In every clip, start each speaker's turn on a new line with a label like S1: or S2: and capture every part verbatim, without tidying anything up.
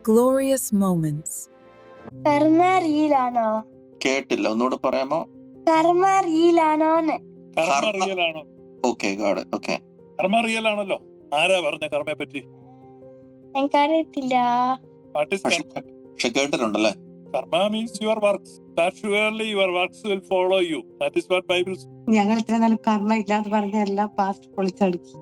S1: glorious moments.
S2: കർമ്മ റിയലാണോ?
S3: കേട്ടില്ല, ഒന്നുകൂടെ പറയാമോ?
S2: കർമ്മ റിയലാണോ?
S4: കർമ്മ റിയൽ ആണോ?
S3: Okay, God. ഓക്കെ,
S4: കർമ്മ റിയൽ ആണല്ലോ. ആരാ പറഞ്ഞ കർമ്മയെ പറ്റി?
S2: എനിക്കറിയത്തില്ല.
S4: What is
S3: പക്ഷെ
S4: karma?
S3: പക്ഷെ കേട്ടിട്ടുണ്ടല്ലേ.
S4: Karma means your works. That surely your works will follow you. That is what Bible says.
S5: ഞങ്ങൾ ഇത്ര നാൾ കർമ്മ ഇല്ലാന്ന് പറഞ്ഞ എല്ലാം പാസ്റ്റ് പൊളിച്ചടുക്കി.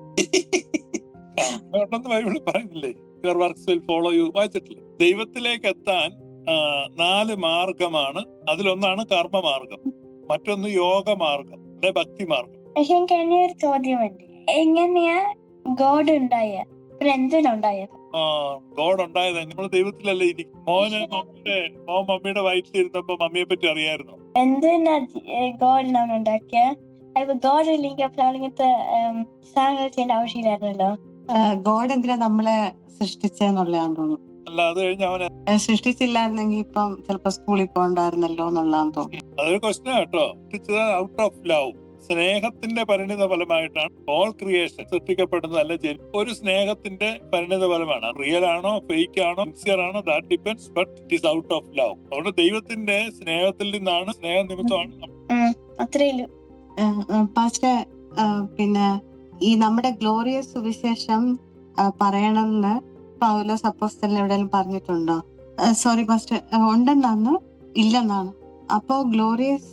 S4: കർമ്മ ഉണ്ടെന്ന് ബൈബിളിൽ പറയുന്നില്ലേ? Your works will follow you. വായിച്ചിട്ടില്ലേ? ദൈവത്തിലേക്ക് എത്താൻ ആ, നാല് മാർഗമാണ്. അതിലൊന്നാണ് കർമ്മമാർഗം, മറ്റൊന്ന് യോഗമാർഗം, അല്ലെ ഭക്തി മാർഗം.
S2: പക്ഷെ എനിക്ക് എന്നെ ഒരു ചോദ്യമുണ്ട്. എങ്ങനെയാ ഗോഡ് ഉണ്ടായ? പിന്നെ എന്തിനുണ്ടായത്?
S4: ആ ഗോഡ് ഉണ്ടായത് നമ്മൾ ദൈവത്തിലല്ലേ ഇരിക്കും. മോന് മമ്മിയുടെ മോൻ മമ്മിയുടെ വയറ്റിലിരുന്നപ്പോ മമ്മിയെ പറ്റി അറിയായിരുന്നു.
S2: എന്തിനാ ഗോഡിനാണ് ഉണ്ടാക്കിയ? അപ്പൊ ഗോഡ് ഇല്ലെങ്കിൽ അപ്പൊ നമ്മളിങ്ങനത്തെ സാധനങ്ങൾ ചെയ്യേണ്ട ആവശ്യമില്ലായിരുന്നല്ലോ.
S5: ഗോഡ് എന്തിനാ നമ്മളെ സൃഷ്ടിച്ചെന്നുള്ളതാന്ന് തോന്നുന്നു.
S4: അല്ല, അത് കഴിഞ്ഞ് അവന്
S5: സൃഷ്ടിച്ചില്ലായിരുന്നെങ്കിൽ ഇപ്പം ചിലപ്പോ സ്കൂളിൽ പോകണ്ടായിരുന്നല്ലോ എന്നുള്ളതാന്ന് തോന്നുന്നു.
S4: അതൊരു ക്വസ്റ്റ്യൻ കേട്ടോ. ഔട്ട് ഓഫ് ലവ്, സ്നേഹത്തിന്റെ പരിണിത ഫലമായിട്ടാണ് ഓൾ ക്രിയേഷൻ സൃഷ്ടിക്കപ്പെടുന്നത്. അല്ലെ, ഒരു സ്നേഹത്തിന്റെ പരിണിത ഫലമാണ്. റിയൽ ആണോ ഫേക്ക് ആണോ സിൻസിയർ ആണോ that depends, but it is out of love. അതുകൊണ്ട് ദൈവത്തിന്റെ സ്നേഹത്തിൽ നിന്നാണ്, സ്നേഹ നിമിത്തമാണ്.
S2: അത്രയുള്ളൂ.
S5: പാസ്റ്റർ, പിന്നെ ഈ നമ്മുടെ ഗ്ലോറിയസ് സുവിശേഷം പറയണമെന്ന് പൗലോസ് അപ്പോസ്തലൻ എവിടെയെങ്കിലും പറഞ്ഞിട്ടുണ്ടോ? സോറി പാസ്റ്റർ, ഉണ്ടെന്നാണ് ഇല്ലെന്നാണ്. അപ്പോ ഗ്ലോറിയസ്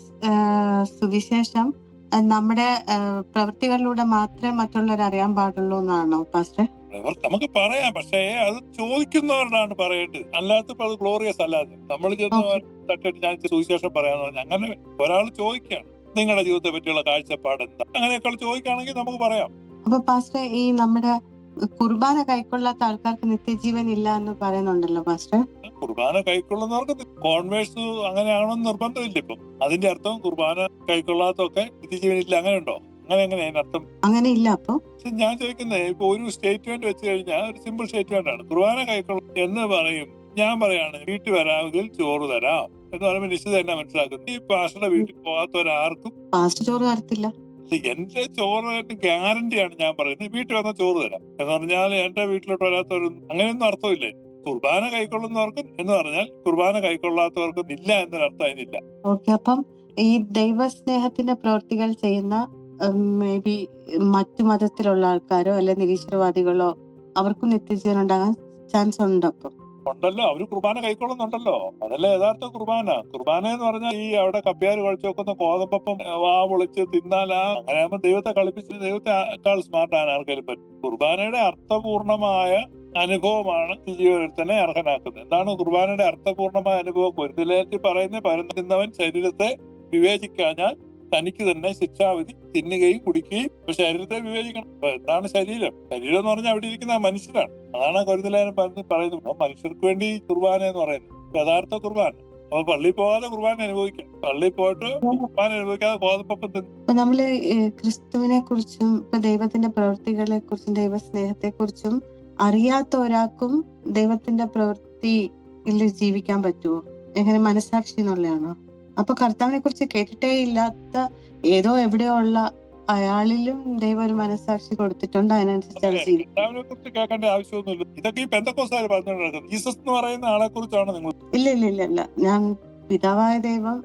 S5: സുവിശേഷം നമ്മുടെ പ്രവൃത്തികളിലൂടെ മാത്രമേ മറ്റുള്ളവർ അറിയാൻ പാടുള്ളൂ എന്നാണോ പാസ്റ്റർ?
S4: നമുക്ക് പറയാം, പക്ഷേ അത് ചോദിക്കുന്നവരോടാണ് പറയേണ്ടത്. അല്ലാത്തപ്പോ അത് ഗ്ലോറിയസ് അല്ലാതെ നമ്മൾ ചെന്ന് തട്ടിട്ട് ഞാൻ സുവിശേഷം പറയാന്ന് പറഞ്ഞാൽ അങ്ങനെ ഒരാൾ ചോദിക്കുകയാണ്, നിങ്ങളുടെ ജീവിതത്തെ പറ്റിയുള്ള കാഴ്ചപ്പാട് എന്താ, അങ്ങനെയൊക്കെ ചോദിക്കുകയാണെങ്കിൽ നമുക്ക് പറയാം.
S5: അപ്പൊ പാസ്റ്റർ, ഈ നമ്മുടെ കുർബാന കൈക്കൊള്ളാത്ത ആൾക്കാർക്ക് നിത്യജീവൻ ഇല്ല എന്ന് പറയുന്നുണ്ടല്ലോ പാസ്റ്റർ.
S4: കുർബാന കൈക്കൊള്ളുന്നവർക്ക് കോൺവേഴ്സ് അങ്ങനെയാണെന്ന് നിർബന്ധമില്ല. ഇപ്പം അതിന്റെ അർത്ഥം കുർബാന കൈക്കൊള്ളാത്തൊക്കെ നിത്യജീവനില്ല, അങ്ങനെ ഉണ്ടോ? അങ്ങനെ എങ്ങനെ അതിനർത്ഥം?
S5: അങ്ങനെ ഇല്ല. അപ്പൊ
S4: ഞാൻ ചോദിക്കുന്നത്, ഇപ്പൊ ഒരു സ്റ്റേറ്റ്മെന്റ് വെച്ച് കഴിഞ്ഞാൽ ഒരു സിമ്പിൾ സ്റ്റേറ്റ്മെന്റ് ആണ്. കുർബാന കൈക്കൊള്ളും എന്ന് പറയും. ഞാൻ പറയാണ് വീട്ടിൽ വരാമെങ്കിൽ ചോറ് തരാം എന്ന് പറയുമ്പോൾ നിശ്ചിത തന്നെ മനസ്സിലാക്കുന്നു. ഈ പാസ്റ്ററുടെ വീട്ടിൽ പോകാത്തവരാർക്കും
S5: പാസ്റ്റർ ചോറ് തരത്തില്ല.
S4: എന്റെ ചോറ് ഗ്യാരണ്ടിയാണ് ഞാൻ പറയുന്നത്. വീട്ടിൽ വന്ന ചോറ് തരാം എന്ന് പറഞ്ഞാൽ എന്റെ വീട്ടിലോട്ട് വരാത്തവരും അങ്ങനെയൊന്നും അർത്ഥമില്ലേ. കുർബാന കൈക്കൊള്ളുന്നവർക്കും എന്ന് പറഞ്ഞാൽ കുർബാന കൈക്കൊള്ളാത്തവർക്കും ഇല്ല എന്നൊരർത്ഥം അതിനില്ല.
S5: ഓക്കെ, അപ്പം ഈ ദൈവസ്നേഹത്തിന്റെ പ്രവൃത്തികൾ ചെയ്യുന്ന മേ ബി മറ്റു മതത്തിലുള്ള ആൾക്കാരോ അല്ലെ നിരീശ്വരവാദികളോ അവർക്കും നിത്യജീവൻ ഉണ്ടാകാൻ ചാൻസ് ഉണ്ട്. അപ്പം
S4: ഉണ്ടല്ലോ, അവര് കുർബാന കൈക്കൊള്ളുന്നുണ്ടല്ലോ. അതല്ലേ യഥാർത്ഥ കുർബാന. കുർബാന എന്ന് പറഞ്ഞാൽ ഈ അവിടെ കപ്പ്യാര് കഴിച്ചു വെക്കുന്ന കോതമ്പപ്പം വാ പൊളിച്ച് തിന്നാലാ, അങ്ങനെ ആകുമ്പോൾ ദൈവത്തെ കളിപ്പിച്ച് ദൈവത്തെക്കാൾ സ്മാർട്ടാണ് ആർക്കെങ്കിലും പറ്റും. കുർബാനയുടെ അർത്ഥപൂർണമായ അനുഭവമാണ് ജീവനെ അർഹനാക്കുന്നത്. എന്താണ് കുർബാനയുടെ അർത്ഥപൂർണമായ അനുഭവം? പൊരുത്തിലേറ്റി പറയുന്ന പരന്നവൻ ശരീരത്തെ വിവേചിക്കാഞ്ഞാൽ തനിക്ക് തന്നെ ശിക്ഷാവിധി തിന്നുകയും കുടിക്കുകയും. ശരീരത്തെ വിവേചിക്കണം. എന്താണ് ശരീരം? ശരീരം എന്ന് പറഞ്ഞാൽ അവിടെ ഇരിക്കുന്ന മനുഷ്യരാണ്. അതാണ് കരുതലേനം പറയുന്നത്. മനുഷ്യർക്ക് വേണ്ടി കുർബാന എന്ന് പറയുന്നത് യഥാർത്ഥ കുർബാന. അപ്പൊ പള്ളിയിൽ പോകാതെ കുർബാന അനുഭവിക്കാം, പള്ളിയിൽ പോയിട്ട് കുർബാന അനുഭവിക്കാതെ കോതമ്പപ്പം തിന്നു.
S5: ഇപ്പൊ നമ്മള് ക്രിസ്തുവിനെ കുറിച്ചും ഇപ്പൊ ദൈവത്തിന്റെ പ്രവൃത്തികളെ കുറിച്ചും ദൈവസ്നേഹത്തെ കുറിച്ചും അറിയാത്ത ഒരാൾക്കും ദൈവത്തിന്റെ പ്രവൃത്തിയിൽ ജീവിക്കാൻ പറ്റുമോ? എങ്ങനെ മനസാക്ഷി എന്നുള്ളതാണോ? അപ്പൊ കർത്താവിനെ കുറിച്ച് കേട്ടിട്ടേ ഇല്ലാത്ത ഏതോ എവിടെയോ ഉള്ള അയാളിലും ദൈവം ഒരു മനസാക്ഷി കൊടുത്തിട്ടുണ്ട്. അതിനനുസരിച്ച്
S4: കർത്താവിനെ കുറിച്ച് കേൾക്കേണ്ട ആവശ്യമൊന്നുമില്ല. ഇതൊക്കെ ഈ പെന്തക്കോസ്തുകാർ പറഞ്ഞുകൊണ്ടിരിക്കുന്നത്. ജീസസ് എന്ന് പറയുന്ന ആളെ കുറിച്ചാണ് നിങ്ങൾ.
S5: ഇല്ല ഇല്ല ഇല്ല ഇല്ല ഞാൻ പിതാവായ ദൈവം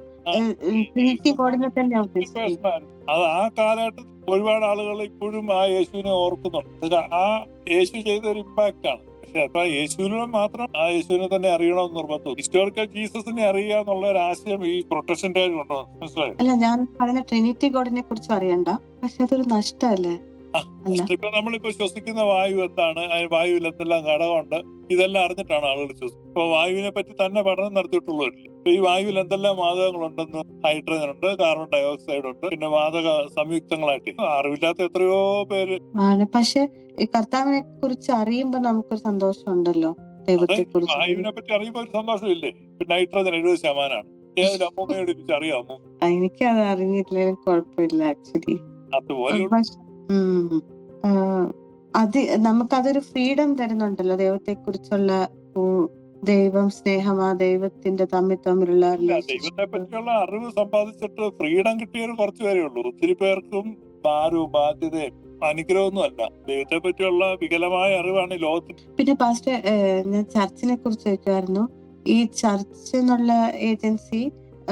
S5: തന്നെയാണ് ഉദ്ദേശിച്ചത്.
S4: അത് ആ കാലഘട്ടത്തിൽ ഒരുപാട് ആളുകൾ ഇപ്പോഴും ആ യേശുവിനെ ഓർക്കുന്നുണ്ട്. ആ യേശു ചെയ്ത ഒരു ഇമ്പാക്ട് ആണ്. പക്ഷെ അപ്പൊ യേശുവിനെ മാത്രം ആ യേശുവിനെ തന്നെ അറിയണമെന്ന് നിർബന്ധം. ഹിസ്റ്റോറിക്കൽ ജീസസിനെ അറിയുക എന്നുള്ള ഒരു ആശയം ഈ പ്രൊട്ടക്ഷന്റെ ഉണ്ടോ? മനസ്സിലായോ?
S5: അല്ല, ഞാൻ പറഞ്ഞ ട്രിനിറ്റി ഗോഡിനെ കുറിച്ച് അറിയണ്ട, പക്ഷെ അതൊരു നഷ്ടമല്ലേ?
S4: ഇപ്പൊ നമ്മളിപ്പോ ശ്വസിക്കുന്ന വായു എന്താണ്, വായുവിൽ എന്തെല്ലാം ഘടകമുണ്ട്, ഇതെല്ലാം അറിഞ്ഞിട്ടാണ് ആളുകൾ ശ്വസിക്കുന്നത്. ഇപ്പൊ വായുവിനെ പറ്റി തന്നെ പഠനം നടത്തിയിട്ടുള്ളവരില്ല. ഇപ്പൊ ഈ വായുവിൽ എന്തെല്ലാം വാതകങ്ങളുണ്ടെന്ന്, ഹൈഡ്രജൻ ഉണ്ട്, കാർബൺ ഡയോക്സൈഡ് ഉണ്ട്, പിന്നെ വാതക സംയുക്തങ്ങളായിട്ട് അറിവില്ലാത്ത എത്രയോ പേര്
S5: ആണ്. പക്ഷെ ഈ കർത്താവിനെ കുറിച്ച് അറിയുമ്പോ നമുക്കൊരു സന്തോഷം ഉണ്ടല്ലോ. ദൈവത്തെ കുറിച്ച്
S4: വായുവിനെ പറ്റി അറിയുമ്പോ ഒരു സന്തോഷമില്ലേ? പിന്നെ നൈട്രജൻ എഴുപത് ശതമാനമാണ്. ഏതൊരു അമ്മൂമ്മയോട് എനിക്ക് അറിയാമോ?
S5: എനിക്കത് അറിഞ്ഞിട്ടില്ലെങ്കിലും കുഴപ്പമില്ല ആക്ച്വലി.
S4: അതുപോലെ
S5: അത് നമുക്കതൊരു ഫ്രീഡം തരുന്നുണ്ടല്ലോ. ദൈവത്തെ കുറിച്ചുള്ള ദൈവം സ്നേഹമാ, ദൈവത്തിന്റെ തമ്മിൽ തമ്മിലുള്ള
S4: ദൈവത്തെ പറ്റിയുള്ള അറിവ് സമ്പാദിച്ചിട്ട് ഫ്രീഡം കിട്ടിയവർ കുറച്ചു പേരേ ഉള്ളൂ. ഒത്തിരി പേർക്കും ഭാരവും ബാധ്യതയും അനുഗ്രഹമൊന്നും അല്ല. ദൈവത്തെ പറ്റിയുള്ള വികലമായ അറിവാണ് ഈ ലോകത്തിന്.
S5: പിന്നെ പാസ്റ്റർ, ഏഹ്, ഞാൻ ചർച്ചിനെ കുറിച്ച് ചോദിക്കുമായിരുന്നു. ഈ ചർച്ച് എന്നുള്ള ഏജൻസി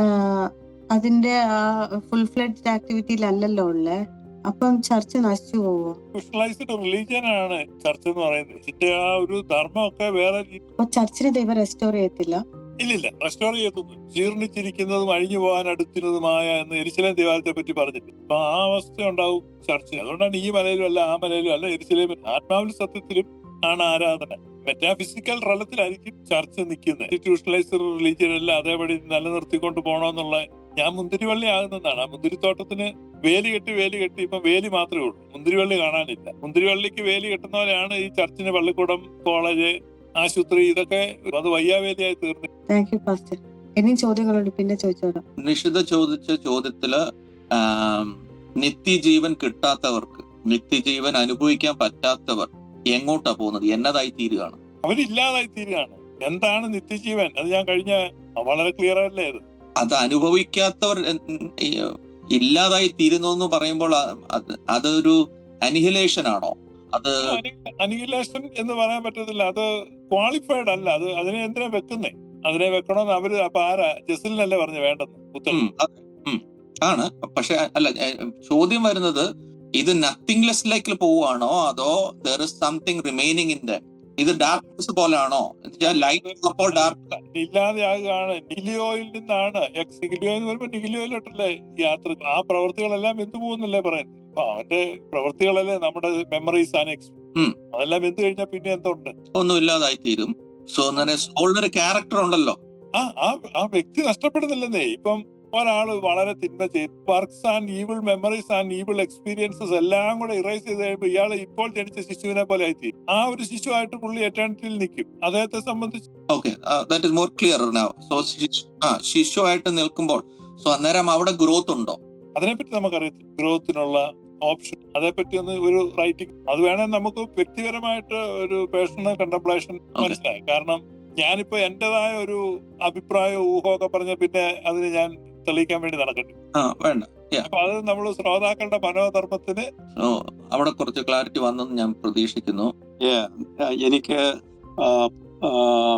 S5: അതിന്റെ ഫുൾ ഫ്ലെഡ്ജ് ആക്ടിവിറ്റിയിലല്ലല്ലോ ഉള്ളേ. അപ്പം ചർച്ച് നശിച്ചു പോവോ?
S4: സ്പെഷ്യലൈസ്ഡ് റിലീജിയൻ ആണ് ചർച്ച് എന്ന് പറയുന്നത്. ഇതിന്റെ ആ ഒരു ധർമ്മമൊക്കെ വേറെ രീതി-
S5: അപ്പൊ ചർച്ചിനെ ദൈവം റെസ്റ്റോർ ചെയ്യത്തില്ല?
S4: ഇല്ലില്ല, റെസ്റ്റോർ ചെയ്തൊന്നും. ജീർണിച്ചിരിക്കുന്നതും അഴിഞ്ഞു പോകാൻ അടുത്തിരുന്നതുമായ എന്ന് യെരുശലേം ദേവാലയത്തെ പറ്റി പറഞ്ഞിട്ട് അപ്പൊ ആ അവസ്ഥ ഉണ്ടാവും ചർച്ച്. അതുകൊണ്ടാണ് ഈ മലയിലും അല്ല ആ മലയിലും അല്ല യെരുശലേം ആത്മാവിൽ സത്യത്തിലും ആണ് ആരാധന. മെറ്റാഫിസിക്കൽ തലത്തിലായിരിക്കും ചർച്ച് നിൽക്കുന്നത്. ഇൻസ്റ്റിറ്റ്യൂഷണലൈസ്ഡ് റിലീജിയൻ എല്ലാം അതേപടി നിലനിർത്തിക്കൊണ്ട് പോകണമെന്നുള്ള. ഞാൻ മുന്തിരിവള്ളി ആകുന്നതാണ്. ആ മുന്തിരിത്തോട്ടത്തിന് വേലി കെട്ടി വേലി കെട്ടി ഇപ്പൊ വേലി മാത്രമേ ഉള്ളൂ, മുന്തിരിവള്ളി കാണാനില്ല. മുന്തിരിവള്ളിക്ക് വേലി കെട്ടുന്ന പോലെയാണ് ഈ ചർച്ചിന് പള്ളിക്കൂടം, കോളേജ്, ആശുപത്രി, ഇതൊക്കെ അത് വയ്യാവേലിയായി തീർന്നു.
S5: Thank you pastor. ഇനിയും ചോദ്യങ്ങളുണ്ട്, പിന്നെ ചോദിച്ചോളാം.
S3: നിഷിത ചോദിച്ച ചോദ്യത്തില് ആം, നിത്യജീവൻ കിട്ടാത്തവർക്ക്, നിത്യജീവൻ അനുഭവിക്കാൻ പറ്റാത്തവർ എങ്ങോട്ടാ പോകുന്നത്, എന്നതായി തീരുകയാണ്?
S4: അവരില്ലാതായി തീരുകയാണ്. എന്താണ് നിത്യജീവൻ? അത് ഞാൻ കഴിഞ്ഞ വളരെ ക്ലിയർ അല്ലേ ഇത്?
S3: അത് അനുഭവിക്കാത്തവർ എൻ- ഈ, ഇല്ലാതായി തീരുന്നു എന്ന് പറയുമ്പോൾ അ- അത് അതൊരു അനിഹിലേഷൻ ആണോ? അത്
S4: അനിഹിലേഷൻ എന്ന് പറയാൻ പറ്റത്തില്ല. അത് ക്വാളിഫൈഡ് അല്ല. അത് അതിനെ എന്തിനാ വെക്കുന്നേ? അതിനെ വെക്കണമെന്ന് അവര് അപ്പൊ ആരാ? ജസലിനല്ലേ പറഞ്ഞു വേണ്ടെന്ന് ഉത്തരം.
S3: ഉം, അത് ഉം, ആണ്. പക്ഷെ അല്ല, ഏ, ചോദ്യം വരുന്നത് ഇത് നത്തിങ്ലെസ്സിലേക്ക് പോവുകയാണോ അതോ there is something remaining in the ഇത് ഡാർക്ക്നെസ് പോലാണോ? ലൈറ്റ് അപ്പോൾ ഡാർക്ക്
S4: ഇല്ലാതെയാകുകയാണ്. നിഹിലിയോയിൽ നിന്നാണ് എക്സ് നിഹിലിയോ എന്ന് പറയുമ്പോ നിഹിലിയോയിലോട്ടല്ലേ യാത്ര. ആ പ്രവൃത്തികളെല്ലാം എന്ത് പോകുന്നല്ലേ പറയുന്നത്. അപ്പൊ അവന്റെ പ്രവൃത്തികളല്ലേ നമ്മുടെ മെമ്മറീസ് ആണ് എക്സ്.
S3: ഉം.
S4: അതെല്ലാം എന്ത് കഴിഞ്ഞാൽ പിന്നെ എന്തുണ്ട്?
S3: ഒന്നും ഇല്ലാതായി തീരും. സോ അങ്ങനെ സോളിനൊരു ക്യാരക്ടർ ഉണ്ടല്ലോ.
S4: ആ ആ ആ വ്യക്തി നഷ്ടപ്പെടുന്നില്ലെന്നേ. ഇപ്പം ഒരാള് വളരെ തിന്മ ചെയ്ത് works and evil memories and evil experiences എല്ലാം കൂടെ ഇറേസ് ചെയ്ത് കഴിയുമ്പോൾ ഇയാൾ ഇപ്പോൾ ജനിച്ച ശിശുവിനെ പോലെ ആയി. ആ ഒരു ശിശുവായിട്ട് പുള്ളി എറ്റേണിറ്റിയിൽ നിൽക്കും. അദ്ദേഹത്തെ സംബന്ധിച്ച്
S3: okay, that is more clear now. So ആ ശിശുവായിട്ട് നിൽക്കുമ്പോൾ സോ അന്നേരം അവിടെ ഗ്രോത്ത് ഉണ്ടോ?
S4: അതിനെപ്പറ്റി നമുക്കറിയത്തില്ല. ഗ്രോത്തിനുള്ള ഓപ്ഷൻ അതേപ്പറ്റി ഒന്ന് ഒരു റൈറ്റിംഗ് അത് വേണമെങ്കിൽ നമുക്ക് വ്യക്തിപരമായിട്ട് ഒരു പേഴ്സണൽ കണ്ടംപ്ലേഷൻ മനസ്സിലായി. കാരണം ഞാനിപ്പോ എന്റേതായ ഒരു അഭിപ്രായം ഊഹമൊക്കെ പറഞ്ഞ പിന്നെ അതിന് ഞാൻ തെളിയിക്കാൻ വേണ്ടി നടക്കട്ടെ.
S3: ആ വേണ്ട.
S4: അപ്പൊ അത് നമ്മൾ ശ്രോതാക്കളുടെ മനോധർമ്മത്തിന്
S3: സോ അവിടെ കുറച്ച് ക്ലാരിറ്റി വന്നെന്ന് ഞാൻ പ്രതീക്ഷിക്കുന്നു.
S1: Yeah, ആ, എനിക്ക് ആ, ആ,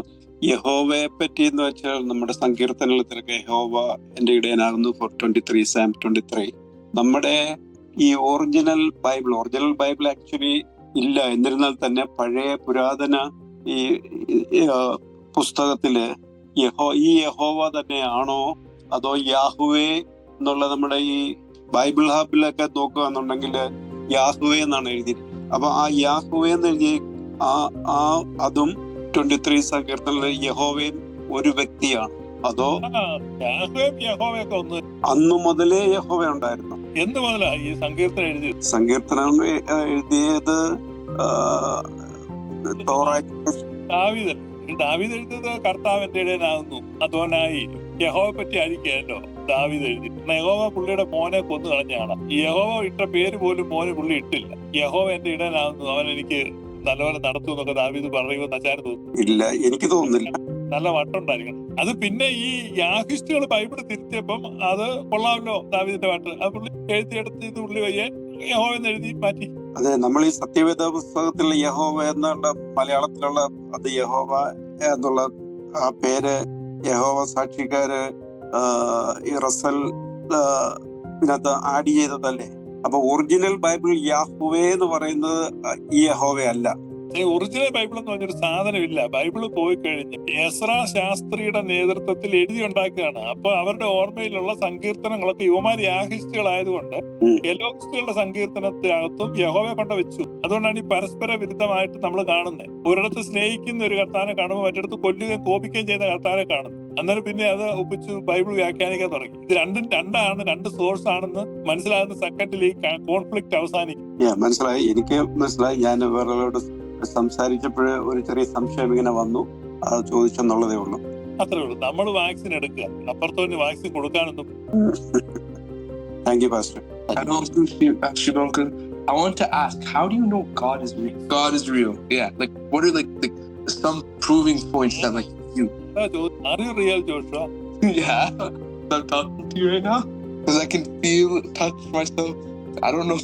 S1: യഹോവയെ പറ്റി എന്ന് വെച്ചാൽ നമ്മുടെ സങ്കീർത്തനത്തിലൊക്കെ യഹോവ എന്റെ ഇടയനാകുന്നു for twenty three psalm twenty three നമ്മുടെ ഈ original Bible original Bible actually ഇല്ല. എന്നിരുന്നാൽ തന്നെ പഴയ പുരാതന ഈ ഈ, ആ, പുസ്തകത്തില് യഹോ ഈ യഹോവ തന്നെയാണോ അതോ യാഹുവേ എന്നുള്ള നമ്മുടെ ഈ ബൈബിൾ ഹബിലൊക്കെ നോക്കുകയാണെന്നുണ്ടെങ്കിൽ യാഹുവേ എന്നാണ് എഴുതിയിരിക്കുന്നത്. അപ്പൊ ആ യാഹുവേ എന്ന് എഴുതി ആ ആ അതും ട്വന്റി ത്രീ സങ്കീർത്തനിലെ യഹോവയും ഒരു വ്യക്തിയാണ്. അതോ
S4: യാഹോവയും യഹോവയൊക്കെ ഒന്ന്
S1: അന്നു മുതലേ യഹോവ ഉണ്ടായിരുന്നു?
S4: എന്ത് മുതലാ ഈ സങ്കീർത്തനം എഴുതിയത്?
S1: സങ്കീർത്തനം എ- എഴുതിയത് ആ, തോറാ-
S4: ദാവീദ്. ഈ ദാവീദ് എഴുതിയത് കർത്താവിന്റെ ഇടയനാകുന്നു അതോനായി യഹോവ പറ്റി ആയിരിക്കുമല്ലോ ദാവീദ് എഴുതി. യഹോവ പുള്ളിയുടെ മോനെ കൊന്നു കളഞ്ഞാണ്. ഈ യഹോവ ഇട്ട പേര് പോലും മോന് പുള്ളി ഇട്ടില്ല. യഹോവ എന്റെ ഇടയനാകുന്നു, അവൻ എനിക്ക് നല്ലപോലെ നടത്തും എന്നൊക്കെ ദാവീദ് പറയുമെന്ന് അച്ചാര് തോന്നുന്നു.
S1: ഇല്ല, എനിക്ക് തോന്നുന്നില്ല.
S4: നല്ല വട്ടുണ്ടായിരിക്കണം. അത് പിന്നെ ഈ യാഹിസ്റ്റുകൾ ബൈബിൾ തിരുത്തിയപ്പം അത് കൊള്ളാമല്ലോ ദാവീദിന്റെ പാട്ട്. അത് പുള്ളി എഴുതിയെടുത്ത് ഇത് പുള്ളി വയ്യെ യഹോവ എന്ന് എഴുതി മാറ്റി.
S1: അതെ, നമ്മൾ ഈ സത്യവേദ പുസ്തകത്തിലുള്ള യഹോവ എന്നുള്ള മലയാളത്തിലുള്ള അത് യഹോവ എന്നുള്ള ആ പേര് യഹോവ സാക്ഷിക്കാര് ആ, ഈ റസൽ ആ, ഇതിനകത്ത് ആഡ് ചെയ്തതല്ലേ. അപ്പൊ ഒറിജിനൽ ബൈബിൾ യാഹുവേ എന്ന് പറയുന്നത് ഈ യഹോവ അല്ല.
S4: ഒറിജിനൽ ബൈബിൾ എന്ന് പറഞ്ഞൊരു സാധനമില്ല. ബൈബിള് പോയി കഴിഞ്ഞ് എസ്രാ ശാസ്ത്രിയുടെ നേതൃത്വത്തിൽ എഴുതി ഉണ്ടാക്കുകയാണ്. അപ്പൊ അവരുടെ ഓർമ്മയിലുള്ള സങ്കീർത്തനങ്ങളൊക്കെ യുവമാരി യാഹിസ്റ്റുകളായതുകൊണ്ട്
S1: ഉം.
S4: എലോഹിസ്റ്റുകളുടെ സങ്കീർത്തനത്തിനകത്തും യഹോവയെ കൊണ്ട് വെച്ചു. അതുകൊണ്ടാണ് ഈ പരസ്പര വിരുദ്ധമായിട്ട് നമ്മൾ കാണുന്നത്. ഒരിടത്ത് സ്നേഹിക്കുന്ന ഒരു കർത്താനെ കാണുമ്പോൾ മറ്റിടത്ത് കൊല്ലുകയും കോപിക്കുകയും ചെയ്യുന്ന കർത്താനെ കാണുന്നു. അന്നേരം പിന്നെ അത് ഒപ്പിച്ച് ബൈബിൾ വ്യാഖ്യാനിക്കാൻ തുടങ്ങി. ഇത് രണ്ടും രണ്ടാണ്, രണ്ട് സോഴ്സ് ആണെന്ന് മനസ്സിലാകുന്ന സെക്കൻഡിൽ ഈ കോൺഫ്ലിക്ട് അവസാനിക്കും.
S1: Yeah, മനസ്സിലായി, എനിക്ക് മനസ്സിലായി. ഞാൻ വേറൊരാളോട് സംസാരിച്ചപ്പോഴേ ഒരു ചെറിയ സംശയം ഇങ്ങനെ വന്നു, അത് ചോദിച്ചെന്നുള്ളതേ ഉള്ളൂ.
S4: അത്രേ ഉള്ളൂ. നമ്മൾ വാക്സിൻ എടുക്കുക, അപ്പുറത്തോന് വാക്സിൻ കൊടുക്കാനൊന്നും.
S1: Thank you pastor.
S6: And also, Shibonka, I want to ask, how do you know God is real? God is real. Yeah. Like, what are like the, some proving points that like you?
S4: Are you real, Joshua?
S6: Yeah. I'm talking to you right now because I can feel, touch myself. I don't know.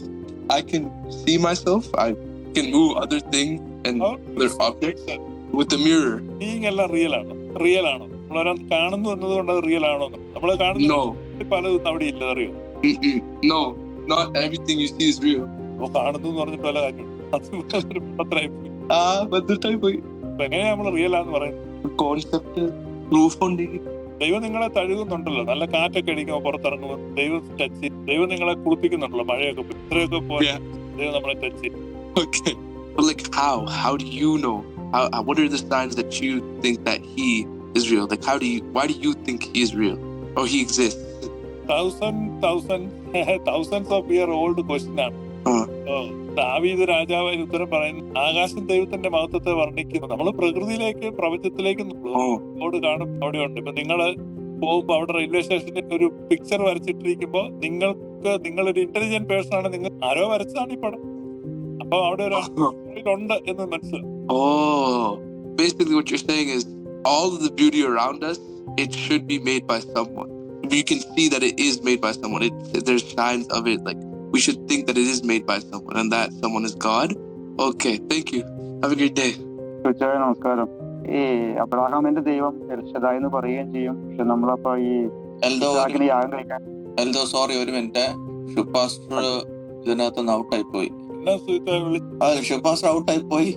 S6: I can see myself. I can move other things and other objects with the mirror.
S4: Seeing എല്ലാം real ആണ്, real ആണോ? നമ്മളൊരാൾ കാണുന്നു എന്നതുകൊണ്ട് അത് real ആണോ? നമ്മള് കാണുന്ന
S6: No.
S4: പലതും അവിടെ ഇല്ല, അറിയോ?
S6: Mm-mm. No, not everything you see is real.
S4: അപ്പൊ കാണുന്നു എന്ന് പറഞ്ഞിട്ട് പല കാര്യം അത് പത്രമായി പോയി.
S6: Ah, but the type of
S4: അപ്പൊ എങ്ങനെയാ നമ്മള് റിയൽ ആന്ന് പറയുന്നത്?
S6: concept proof on the
S4: ദൈവം നിങ്ങളെ തഴുകുന്നുണ്ടല്ലോ, നല്ല കാറ്റൊക്കെ അടിക്കുമ്പോൾ പുറത്തിറങ്ങുമ്പോൾ ദൈവം ടച്ച് ചെയ്യും. ദൈവം നിങ്ങളെ കുളിപ്പിക്കുന്നുണ്ടല്ലോ, മഴയൊക്കെ പോയി. ഇത്രയൊക്കെ പോലെ
S6: Yeah.
S4: ദൈവം നമ്മളെ ടച്ച് ചെയ്യും.
S6: Okay. But like how? How do you know? How, uh, what are the signs that you think that he is real? Like how do you, why do you think he is real? Or he exists?
S4: Thousand thousand thousands of year old question ആണ്.
S6: ആ.
S4: ദാവീദ് രാജാവ് അതിന് ഉത്തരം പറയുന്നു, ആകാശം ദൈവത്തിന്റെ മഹത്വത്തെ വർണ്ണിക്കുന്നു. നമ്മൾ പ്രകൃതിയിലേക്ക് പ്രപഞ്ചത്തിലേക്ക്
S6: Oh.
S4: റോഡ് കാണും, അവിടെ ഉണ്ട്. ഇപ്പൊ നിങ്ങള് പോകുമ്പോ അവിടെ റെയിൽവേ സ്റ്റേഷനിൽ ഒരു പിക്ചർ വരച്ചിട്ടിരിക്കുമ്പോ നിങ്ങൾക്ക് നിങ്ങളൊരു ഇന്റലിജന്റ് പേഴ്സൺ ആണ്, നിങ്ങൾ ആരോ വരച്ചതാണ് ഈ പടം. അപ്പൊ അവിടെ ഒരു ഉണ്ട് എന്ന് മനസ്സിലാവും.
S6: Oh. Basically what you're saying is all of the beauty around us, it should be made by someone. You can see that it is made by someone. It, there's signs of it. Like we should think that it is made by someone, and that someone is God. Okay, thank you. Have a great day.
S7: തീർച്ചയായും നമസ്കാരം. ഈ അബ്രാഹാമിന്റെ ദൈവം എൽഷദായി എന്ന് പറയുകയും ചെയ്യും. പക്ഷെ നമ്മളപ്പോ ഈ
S3: എൽദോ
S7: ഇസ്ഹാക്കിന് യാഗം കഴിക്കാൻ
S3: എൽദോ സോറി ഒരു മിനിറ്റ്, ഷുപ്പാസ്റ്റർ ഇതിനകത്തുനിന്ന് ഔട്ടായി പോയി.
S4: എല്ലാ സുഹൃത്തുക്കളെ വിളിച്ച്
S3: ആ ഷുപ്പാസ്റ്റർ ഔട്ടായി പോയി.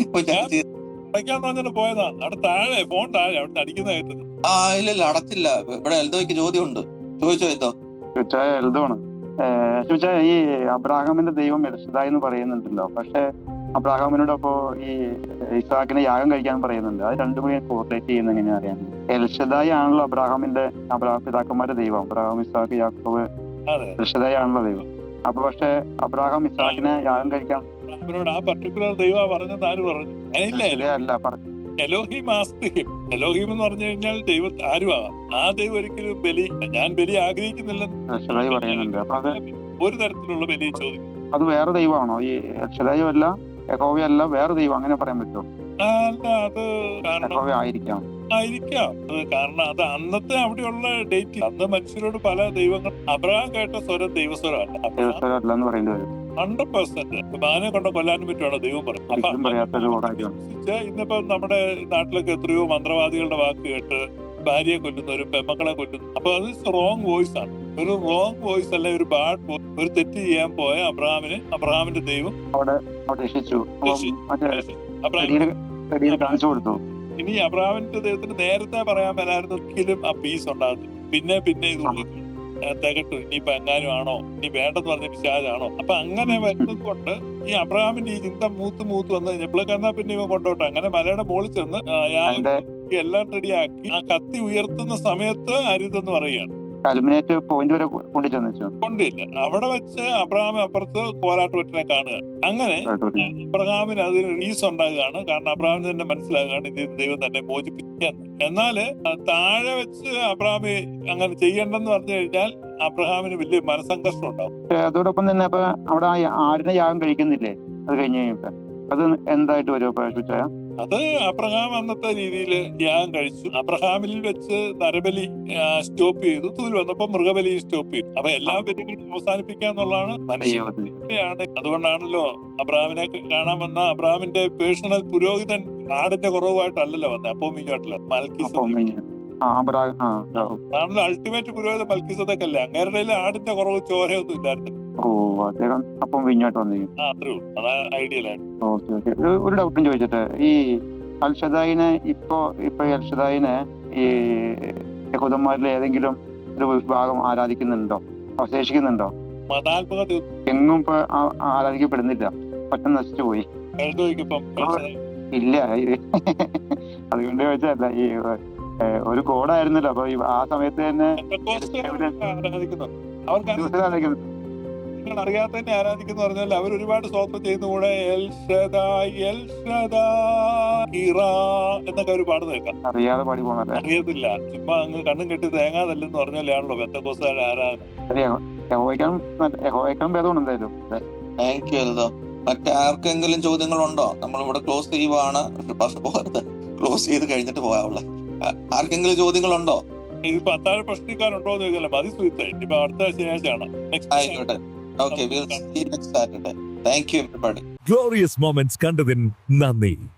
S4: അടയ്ക്കാന്ന് പറഞ്ഞിട്ട് പോയതാ. അവിടെ താഴെ ഫോൺ താഴെ അവിടെ അടിക്കുന്ന കേട്ടത്.
S3: ആ ഇല്ല ഇല്ല അടച്ചില്ല. ഇവിടെ എൽദോയ്ക്ക് ചോദ്യമുണ്ട്, ചോദിച്ചോ എൽദോ.
S7: തീർച്ചയായും എൽദോണ്. തീർച്ചയായും ഈ അബ്രാഹാമിന്റെ ദൈവം എൽഷദായി എന്ന് പറയുന്നുണ്ടല്ലോ. പക്ഷെ അബ്രാഹാമിനോട് അപ്പോ ഈ ഇസ്ഹാക്കിനെ യാഗം കഴിക്കാൻ പറയുന്നുണ്ട്. അത് രണ്ടും കൂടി കോർഡിനേറ്റ് ചെയ്യുന്ന എങ്ങനെയാ അറിയാൻ? എൽഷദായി ആണല്ലോ അബ്രാഹാമിന്റെ അബ്രാഹാം പിതാക്കന്മാരുടെ ദൈവം. അബ്രാഹാം, ഇസ്ഹാക്ക്, യാക്കോബ്,
S4: അതെ,
S7: എൽഷദായി ആണല്ലോ ദൈവം. അപ്പൊ പക്ഷെ അബ്രാഹാം ഇസ്ഹാക്കിനെ യാഗം കഴിക്കാൻ
S4: അവരോട് ആ പർട്ടിക്കുലർ ദൈവം പറഞ്ഞത് ആര് പറഞ്ഞു? അങ്ങനെയില്ല.
S7: അല്ല പറഞ്ഞു.
S4: എലോഹിം ആസ്തിഹിം. എലോഹിം എന്ന് പറഞ്ഞു കഴിഞ്ഞാൽ ദൈവം ആരുമാകാം. ആ ദൈവം ഒരിക്കലും ബലി, ഞാൻ ബലി ആഗ്രഹിക്കുന്നില്ലെന്ന്
S7: എൽഷദായി പറയുന്നുണ്ട്. അപ്പൊ അത്
S4: ഒരു തരത്തിലുള്ള ബലി ചോദിക്കും.
S7: അത് വേറെ ദൈവമാണോ? ഈ എൽഷദായി അല്ല, യഹോവയല്ല, വേറെ ദൈവം, അങ്ങനെ പറയാൻ പറ്റുമോ?
S4: അല്ല, അത് കാരണം
S7: യഹോവ ആയിരിക്കാം.
S4: ആയിരിക്കാം. അത് കാരണം അത് അന്നത്തെ അവിടെയുള്ള ഡേറ്റ്, അന്ന് മനുഷ്യരോട് പല ദൈവങ്ങൾ. അബ്രഹാം കേട്ട സ്വരം ദൈവസ്വരമല്ല.
S7: ദൈവസ്വരം അല്ല എന്ന് പറയേണ്ടി വരും.
S4: ഹൺഡ്രഡ് പെർസെന്റ് മാനെ കൊണ്ട് കൊല്ലാനും പറ്റുവാണ് ദൈവം പറയും.
S7: ഒരിക്കലും പറയാത്തൊരു കാര്യമാണ്.
S4: ഇന്നിപ്പോ നമ്മുടെ നാട്ടിലൊക്കെ എത്രയോ മന്ത്രവാദികളുടെ വാക്ക് കേട്ട് ഭാര്യയെ കൊല്ലുന്നവരും പെമ്മക്കളെ കൊല്ലുന്നു. അപ്പൊ അത് റോങ് വോയിസ് ആണ്. ഒരു റോങ് വോയിസ് അല്ലെ, ഒരു ബാഡ് വോയിസ്. ഒരു തെറ്റ് ചെയ്യാൻ പോയ അബ്രഹാമിന് അബ്രഹാമിന്റെ ദൈവം
S7: അവിടെ അവിടെ രക്ഷിച്ചു. മറ്റേ
S4: അബ്രഹാം
S7: കടിയിൽ കടിയിൽ കാണിച്ചു കൊടുത്തു.
S4: ഇനി അബ്രഹാമിന്റെ ദൈവത്തിന് നേരത്തെ പറയാൻ വരായിരുന്നു, ഒരിക്കലും ആ പീസ് ഉണ്ടാകും. പിന്നെ പിന്നെ ഇത് തികട്ടു. ഇനിയിപ്പോ എങ്ങാനും ആണോ, ഇനി വേണ്ടെന്ന് പറഞ്ഞ പിശാചാണോ? അപ്പൊ അങ്ങനെ വരുന്നത് കൊണ്ട് ഈ അബ്രഹാമിന്റെ ഈ ചിന്ത മൂത്ത് മൂത്ത് വന്ന് കഴിഞ്ഞപ്പോഴേക്ക് എന്നാ പിന്നെ ഇവ കൊണ്ടോട്ടെ, അങ്ങനെ മലയുടെ മുകളിൽ ചെന്ന് എല്ലാം റെഡിയാക്കി ആ കത്തി ഉയർത്തുന്ന സമയത്ത് അരുതെന്ന് പറയുകയാണ്.
S7: കൽമിനേറ്റ് പോയിന്റ് വരെ കൊണ്ടു ചെന്നു.
S4: കൊണ്ടില്ല, അവിടെ വെച്ച് അബ്രഹാം അപ്പുറത്ത് കോലാട്ടുവറ്റിനെ കാണുക. അങ്ങനെ അബ്രഹാമിന് അതിന് റീസ് ഉണ്ടാകുകയാണ്. കാരണം അബ്രഹാമിന് തന്നെ മനസ്സിലാകുകയാണ് ഇത് ദൈവം തന്നെ മോചിപ്പിക്കുകയെന്ന്. എന്നാല് താഴെ വെച്ച് അബ്രഹാം അങ്ങനെ ചെയ്യണ്ടെന്ന് പറഞ്ഞു കഴിഞ്ഞാൽ അബ്രഹാമിന് വലിയ മനസ്സംഘർഷം ഉണ്ടാവും.
S7: അതോടൊപ്പം തന്നെ അപ്പൊ അവിടെ ആടിനെ യാഗം കഴിക്കുന്നില്ലേ അത് കഴിഞ്ഞ് കഴിഞ്ഞിട്ട്? അത് എന്തായിട്ട് വരും അപ്പൊ?
S4: അത് അബ്രഹാം അന്നത്തെ രീതിയിൽ യാഗം കഴിച്ചു. അബ്രഹാമിൽ വെച്ച് നരബലി സ്റ്റോപ്പ് ചെയ്തു. തൂല് വന്നപ്പോ മൃഗബലി സ്റ്റോപ്പ് ചെയ്തു. അപ്പൊ എല്ലാ ബലികളും അവസാനിപ്പിക്കാന്നുള്ളതാണ് മനുഷ്യയാണ്. അതുകൊണ്ടാണല്ലോ അബ്രഹാമിനെ കാണാൻ വന്ന അബ്രഹാമിന്റെ പേഴ്സണൽ പുരോഹിതൻ ആടിന്റെ കുറവായിട്ടല്ലല്ലോ വന്നത്, അപ്പോമിങ്ങായിട്ടല്ലോ മൽക്കീസദേക്ക്. അൾട്ടിമേറ്റ് പുരോഹിതൻ മൽക്കീസദേക്കല്ലേ. അങ്ങേരുടെ ആടിന്റെ കുറവ് ചോരയൊന്നും ഇല്ലായിരുന്നു.
S7: ഓ, അദ്ദേഹം അപ്പം വിഞ്ഞോട്ട് വന്നിരിക്കും.
S4: ആ അത്രേ ഉള്ളൂ. അതാ ഐഡിയലാണ്.
S7: Okay okay. ഒരു ഡൗട്ടും ചോദിച്ചിട്ട്, ഈ അൽഷദായിനെ ഇപ്പൊ ഇപ്പൊ അൽഷദായിനെ ഈ യഹൂദന്മാരിൽ ഏതെങ്കിലും ഒരു വിഭാഗം ആരാധിക്കുന്നുണ്ടോ, അവശേഷിക്കുന്നുണ്ടോ?
S4: മതാത്മക
S7: എങ്ങും ഇപ്പൊ ആരാധിക്കപ്പെടുന്നില്ല, ഒറ്റ നശിച്ചു പോയി. ഇല്ല, അതുകൊണ്ട് ചോദിച്ചല്ല. ഈ ഒരു കോഡായിരുന്നല്ലോ അപ്പൊ ആ സമയത്ത് തന്നെ ആരാധിക്കുന്നു.
S4: നിങ്ങൾ അറിയാത്തന്നെ ആരാധിക്കുന്ന പറഞ്ഞാൽ അവർ ഒരുപാട് സ്തോത്രം ചെയ്യുന്ന കൂടെ എൽ ഷദായ് എൽ ഷദായ് എന്നൊക്കെ അവർ പാടുന്ന കേൾക്കാം.
S7: അറിയാതെ പാടി പോകണല്ലേ?
S4: അറിയത്തില്ല, ചുമ്മാ അങ്ങ് കണ്ണും കെട്ടി തേങ്ങാതല്ലെന്ന് പറഞ്ഞാലാണല്ലോ പെന്തക്കോസ്തുകാരുടെ ആരാധന.
S3: Thank you Eldho. മറ്റേ ആർക്കെങ്കിലും ചോദ്യങ്ങളുണ്ടോ? നമ്മളിവിടെ ക്ലോസ് ചെയ്യുവാണ്. പോകരുത്, ക്ലോസ് ചെയ്ത് കഴിഞ്ഞിട്ട് പോകാവുള്ള. ആർക്കെങ്കിലും ചോദ്യങ്ങളുണ്ടോ?
S4: ഇതിപ്പോ അത്താഴ പ്രശ്നക്കാരുണ്ടോ എന്ന് ചോദിച്ചാൽ മതി സുഹൃത്തെ. ഇപ്പൊ അടുത്ത ശനിയാഴ്ചയാണ്.
S3: ആയിക്കോട്ടെ. Okay, we'll see you next Saturday. Thank you, everybody.
S8: Glorious moments കണ്ടതിന് നന്ദി.